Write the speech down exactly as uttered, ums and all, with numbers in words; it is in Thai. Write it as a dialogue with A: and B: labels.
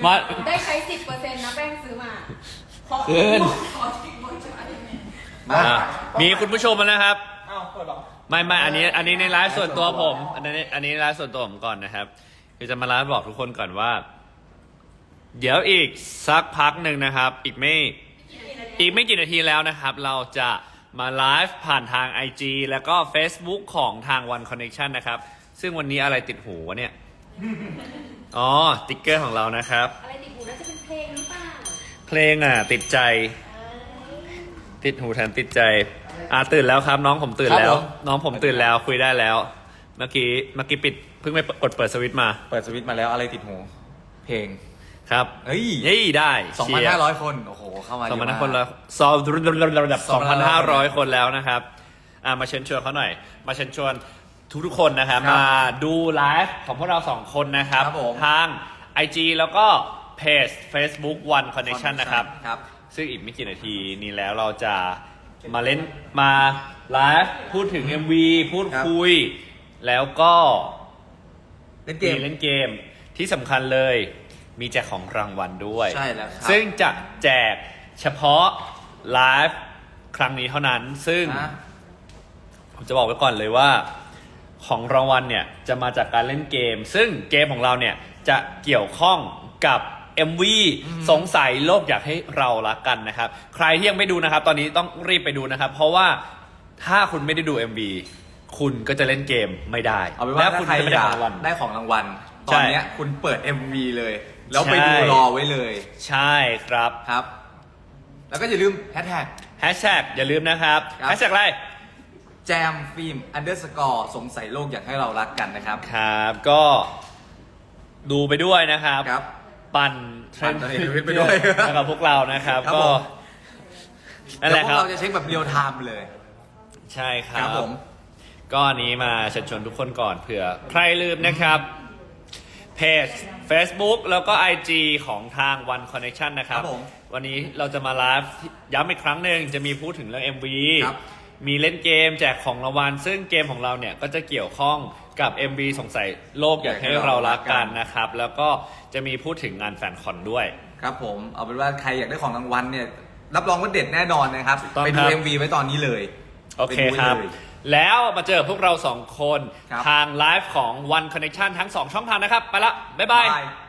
A: มา
B: ได้ใช้สิบเปอร์เซ็นต์นะแป้งซื้อมาขอ
A: เกิน
B: ขอทิ้งบนใช้
A: อ่ะมีคุณผู้ชมมาแล้วครับ
C: อ้าวเปิดหรอ
A: ไม่ไม่อันนี้อันนี้ในไลฟ์ส่วนตัวผม อันนี้อันนี้ไลฟ์ส่วนตัวผมก่อนนะครับคือจะมาไลฟ์บอกทุกคนก่อนว่า เดี๋ยวอีกสักพักหนึ่งนะครับ อีกไม่อีกไม่กี่นาทีแล้วนะครับ เราจะมาไลฟ์ผ่านทาง ไอ จี แล้วก็ Facebook ของทาง One Connection นะครับ ซึ่งวันนี้อะไรติดหูวะเนี่ย อ๋อติ๊กเกอร์ของเรานะครับ
B: อะไรติดหูน่าจะเป็นเพลงหรือเปล่า
A: เพลงอ่ะติดใจ ติดหูแถมติดใจ อ่าตื่นแล้วครับ น้องผมตื่นแล้ว น้องผมตื่นแล้วคุยได้แล้ว เมื่อกี้เมื่อกี้ปิดเพิ่งไปกดเปิดสวิตช์มา
C: เปิดสวิตช์มาแล้วอะไรติดหู เพลง
A: ครับ
C: เฮ้ย
A: ยี่ได้
C: สองพันห้าร้อยคน โอ้โห เข้ามา
A: สองพัน
C: เย
A: ห้า
C: อะ
A: คน
C: มาก
A: แล้วซอระดับสองพันห้าร้อยคนแล้วนะครับ อ่ามาเชิญชวนเขาหน่อย มาเชิญชวนทุกๆคนนะครับ
C: ครับ
A: มาดูไลฟ์ของพวกเราสองคนนะครับ
C: ครับผม
A: ทาง ไอ จี แล้วก็เพจ Facebook One Connection นะครับ
C: ครับ
A: ซึ่งอีกไม่กี่นาทีนี้แล้วเราจะมาเล่นมาไลฟ์พูดถึง เอ็ม วี พูดคุย แล้วก็
C: เล่นเกม
A: มีเล่นเกมที่สำคัญเลย มีแจกของรางวัลด้วย
C: ใช่แล้วครับ
A: ซึ่งจะแจกเฉพาะไลฟ์ครั้งนี้เท่านั้น ซึ่ง
C: นะ
A: ผมจะบอกไว้ก่อนเลยว่าของรางวัลเนี่ยจะมาจากการเล่นเกม ซึ่งเกมของเราเนี่ยจะเกี่ยวข้องกับ เอ็ม วี สงสัยโลกอยากให้เรารักกันนะครับ ใครที่ยังไม่ดูนะครับ ตอนนี้ต้องรีบไปดูนะครับ เพราะว่าถ้าคุณไม่ได้ดู เอ็ม วี คุณก็จะเล่นเกมไม่ได้
C: เอาเป็น
A: และ
C: ว่า
A: คุ
C: ถ้า
A: ณ
C: ใคร
A: จะไม่
C: อ
A: ได้
C: ยา
A: ขอก งรางวัล
C: ได้ของรางวัล ต
A: ใช่
C: อนเนี้ยคุณเปิด เอ็ม วี เลย แล้วไป
A: ใช่
C: ดูรอไว้เลย
A: ใช่ครับ
C: ครับ แล้วก็อย่าลืมแฮชแท็ก
A: แฮชแท็กอย่าลืมนะครับ
C: ครับ
A: แฮชแท็กอะไร
C: แจมฟิล์มอันเดอร์สกอร์สงสัยโลกอยากให้เรารักกันนะครับ
A: ครับก็ดูไปด้วยนะครับ
C: ครับ
A: ปั่นเทรนด์
C: ปั่นเทรนด์ไปด้วย
A: กับพวกเรานะครับ
C: ครับ
A: ก็
C: ผม
A: นั่นแหละครับ
C: เดี๋ยวพวกเราจะเช็คแบบเรียลไทม์เลย
A: ใช่ค
C: ค
A: รั
C: รั
A: บบ
C: ผม
A: ก็อันนี้มาเชิญชวนทุกคนก่อนเผื่อใครลืมนะครับเพจ Facebook แล้วก็ ไอ จี ของทาง One Connection นะครับ
C: ครับผม
A: วันนี้เราจะมาไลฟ์ย้ำอีกครั้งหนึ่งจะมีพูดถึงเรื่อง เอ็ม วี
C: ครับ
A: มีเล่นเกมแจกของรางวัลซึ่งเกมของเราเนี่ยก็จะเกี่ยวข้องกับ เอ็ม วี สงสัยโลกอยากให้เรารักกันนะครับ แล้วก็จะมีพูดถึงงานแฟนคอนด้วย
C: ครับผม เอาเป็นว่าใครอยากได้ของรางวัลเนี่ย รับรองว่าเด็ดแน่นอนนะครับ
A: ถูกต้อง
C: ไป
A: ค
C: ดู
A: รับ
C: เอ็ม วี ไว้ตอนนี้เลย
A: โอเค
C: ไปดูไว้
A: ครับ
C: เลย
A: แล้วมาเจอพวกเราสองคน
C: ครับ
A: ทางไลฟ์ของ One Connection ทั้งสองช่องทางนะครับ ไปละ บ๊ายบาย
C: บาย